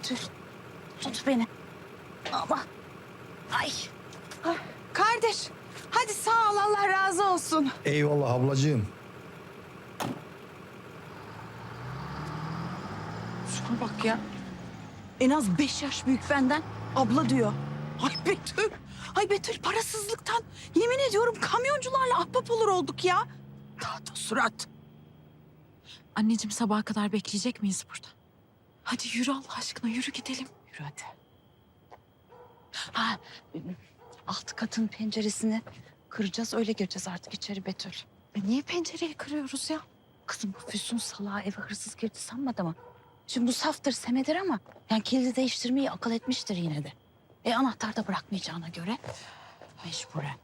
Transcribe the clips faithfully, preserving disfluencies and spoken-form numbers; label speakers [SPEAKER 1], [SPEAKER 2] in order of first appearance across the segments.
[SPEAKER 1] Betül. Tut beni. Ama. Ay.
[SPEAKER 2] Ha, kardeş, hadi sağ ol, Allah razı olsun.
[SPEAKER 3] Eyvallah ablacığım.
[SPEAKER 1] Şuna bak ya. En az beş yaş büyük benden. Abla diyor. Ay Betül. Ay Betül, parasızlıktan yemin ediyorum kamyoncularla ahbap olur olduk ya. Tahta surat.
[SPEAKER 4] Anneciğim sabaha kadar bekleyecek miyiz burada? Hadi yürü Allah aşkına, yürü gidelim.
[SPEAKER 1] Yürü hadi. Ha, alt katın penceresini kıracağız, öyle gireceğiz artık içeri Betül.
[SPEAKER 4] E niye pencereyi kırıyoruz ya?
[SPEAKER 1] Kızım bu Füsun salağı eve hırsız girdi sanmadı mı? Şimdi bu saftır, semedir ama yani kilidi değiştirmeyi akıl etmiştir yine de. E anahtar da bırakmayacağına göre mecburen.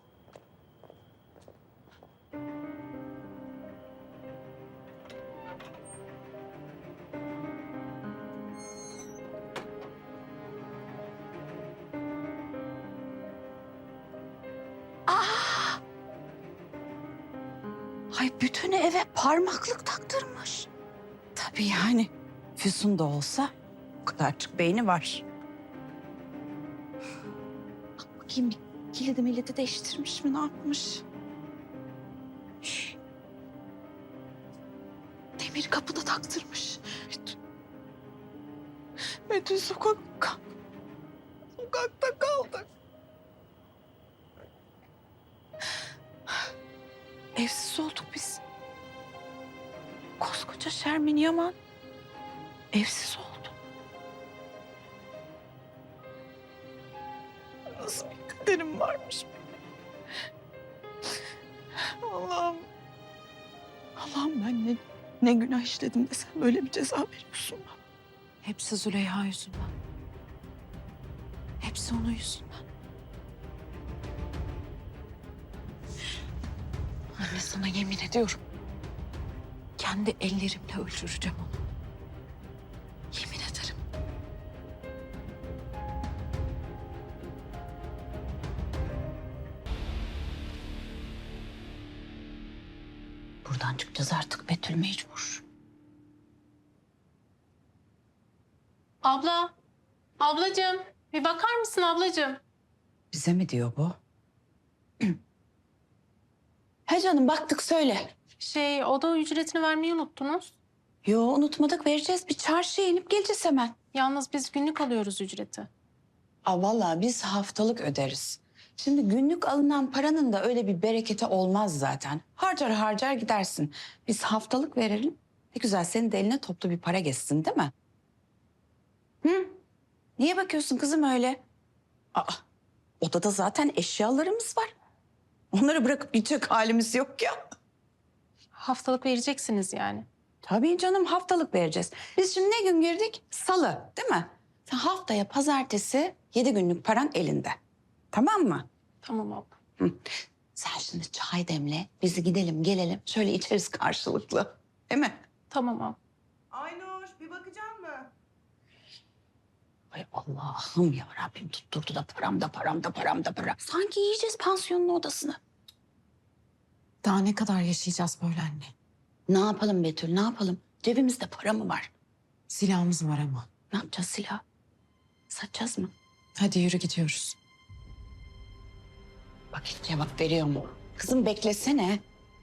[SPEAKER 1] Aa! Ay bütün eve parmaklık taktırmış. Tabii yani Füsun da olsa o kadarcık beyni var. Bak bakayım bir kilidi milleti değiştirmiş mi, ne yapmış? Demir kapıda taktırmış. Betül, Betül sokakta, sokakta kaldık. Evsiz olduk biz. Koskoca Şermin Yaman evsiz oldu. Nasıl bir kaderim varmış benim. Allah'ım. Allah'ım ben ne, ne günah işledim de sen böyle bir ceza veriyorsun bana.
[SPEAKER 4] Hepsi Züleyha yüzünden. Hepsi onun yüzünden. Anne sana yemin ediyorum. Kendi ellerimle öldüreceğim onu. Yemin ederim.
[SPEAKER 1] Buradan çıkacağız artık Betül, mecbur.
[SPEAKER 5] Abla, ablacığım bir bakar mısın ablacığım?
[SPEAKER 1] Bize mi diyor bu? He canım, baktık, söyle.
[SPEAKER 5] Şey, oda ücretini vermeyi unuttunuz.
[SPEAKER 1] Yo, unutmadık, vereceğiz. Bir çarşıya inip geleceğiz hemen.
[SPEAKER 5] Yalnız biz günlük alıyoruz ücreti.
[SPEAKER 1] Aa, vallahi biz haftalık öderiz. Şimdi günlük alınan paranın da öyle bir bereketi olmaz zaten. Harcar harcar gidersin. Biz haftalık verelim. Ne güzel, senin de eline toplu bir para geçsin değil mi? Hı? Niye bakıyorsun kızım öyle? Aa, odada zaten eşyalarımız var. Onları bırakıp gidecek halimiz yok ya.
[SPEAKER 5] Haftalık vereceksiniz yani.
[SPEAKER 1] Tabii canım, haftalık vereceğiz. Biz şimdi ne gün girdik? Salı, değil mi? Sen haftaya pazartesi yedi günlük paran elinde. Tamam mı?
[SPEAKER 5] Tamam abla.
[SPEAKER 1] Hı. Sen şimdi çay demle, bizi gidelim gelelim. Şöyle içeriz karşılıklı. Değil mi?
[SPEAKER 5] Tamam abla.
[SPEAKER 2] Aynur, bir bakacak mı?
[SPEAKER 1] Ay Allah'ım ya Rabbim, tutturdu da param da param da param da para. Sanki yiyeceğiz pansiyonun odasını.
[SPEAKER 4] Daha ne kadar yaşayacağız böyle anne?
[SPEAKER 1] Ne yapalım Betül, ne yapalım? Cebimizde para mı var?
[SPEAKER 4] Silahımız var ama.
[SPEAKER 1] Ne yapacağız silah? Satacağız mı?
[SPEAKER 4] Hadi yürü gidiyoruz.
[SPEAKER 1] Bak hiç cevap veriyor mu? Kızım beklesene.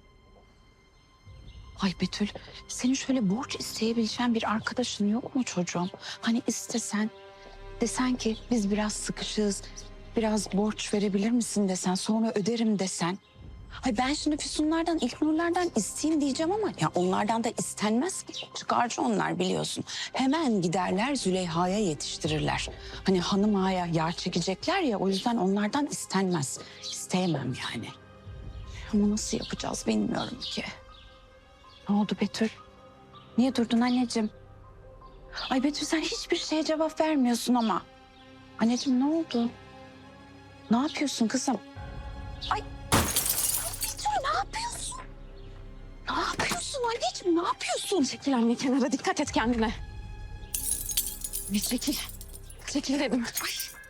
[SPEAKER 1] Ay Betül, senin şöyle borç isteyebileceğin bir arkadaşın yok mu çocuğum? Hani istesen, desen ki biz biraz sıkışığız, biraz borç verebilir misin desen, sonra öderim desen. Ay ben şimdi Füsunlardan, İlknurlardan isteyeyim diyeceğim ama ya onlardan da istenmez ki. Çıkarcı onlar, biliyorsun. Hemen giderler Züleyha'ya yetiştirirler. Hani hanım ağaya yağ çekecekler ya, o yüzden onlardan istenmez. İsteyemem yani. Ama nasıl yapacağız bilmiyorum ki. Ne oldu Betül? Niye durdun anneciğim? Ay Betül, sen hiçbir şeye cevap vermiyorsun ama. Anneciğim ne oldu? Ne yapıyorsun kızım? Ay Betül, ne yapıyorsun? Ne yapıyorsun anneciğim, ne yapıyorsun?
[SPEAKER 4] Çekil anne kenara, dikkat et kendine. Ne çekil. Çekil dedim. Ay.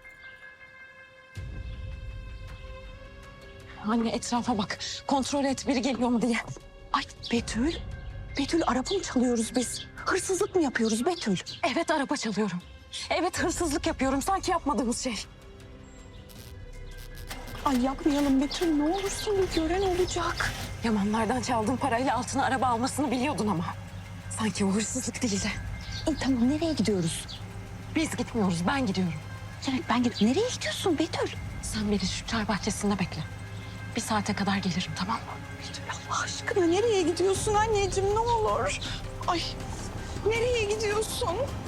[SPEAKER 4] Anne etrafa bak. Kontrol et biri geliyor mu diye.
[SPEAKER 1] Ay Betül, Betül araba mı çalıyoruz biz? Hırsızlık mı yapıyoruz Betül?
[SPEAKER 4] Evet araba çalıyorum. Evet, hırsızlık yapıyorum. Sanki yapmadığımız şey.
[SPEAKER 1] Ay yapmayalım Betül, ne olursun, bir gören olacak.
[SPEAKER 4] Yamanlardan çaldığın parayla altına araba almasını biliyordun ama. Sanki o hırsızlık değildi.
[SPEAKER 1] İyi tamam, nereye gidiyoruz?
[SPEAKER 4] Biz gitmiyoruz, ben gidiyorum.
[SPEAKER 1] Demek ben gidiyorum. Nereye gidiyorsun Betül?
[SPEAKER 4] Sen beni şu çay bahçesinde bekle. Bir saate kadar gelirim, tamam mı?
[SPEAKER 1] Betül Allah aşkına nereye gidiyorsun anneciğim, ne olur? Ay nereye gidiyorsun?